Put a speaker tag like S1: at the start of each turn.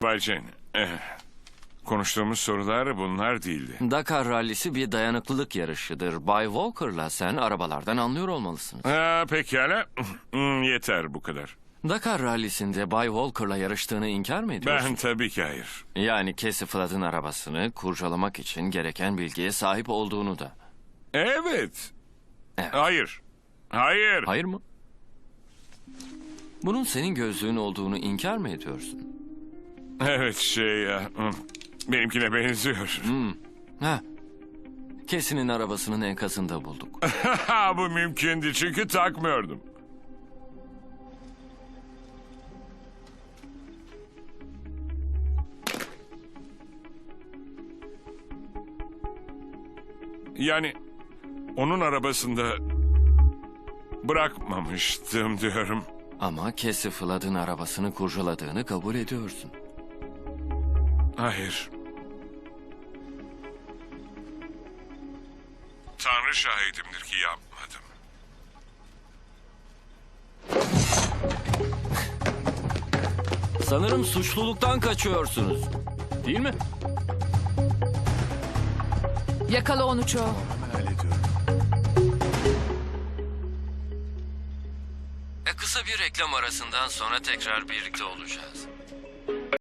S1: Bay Jane, konuştuğumuz sorular bunlar değildi.
S2: Dakar rallisi bir dayanıklılık yarışıdır. Bay Walker'la sen arabalardan anlıyor olmalısınız.
S1: Pekala. Yeter bu kadar.
S2: Dakar rallisinde Bay Walker'la yarıştığını inkar mı ediyorsun?
S1: Ben tabii ki hayır.
S2: Yani Casey Flood'ın arabasını kurcalamak için gereken bilgiye sahip olduğunu da.
S1: Evet.
S2: Evet.
S1: Hayır. Hayır.
S2: Hayır mı? Bunun senin gözlüğün olduğunu inkar mı ediyorsun?
S1: Evet benimkine benziyor.
S2: Ha. Casey'nin arabasının enkazında bulduk.
S1: Bu mümkündü çünkü takmıyordum. Yani onun arabasında bırakmamıştım diyorum.
S2: Ama Casey Flood'ın arabasını kurcaladığını kabul ediyorsun.
S1: Hayır. Tanrı şahidimdir ki yapmadım.
S2: Sanırım suçluluktan kaçıyorsunuz. Değil mi?
S3: Yakala onu Joe.
S2: Kısa bir reklam arasından sonra tekrar birlikte olacağız.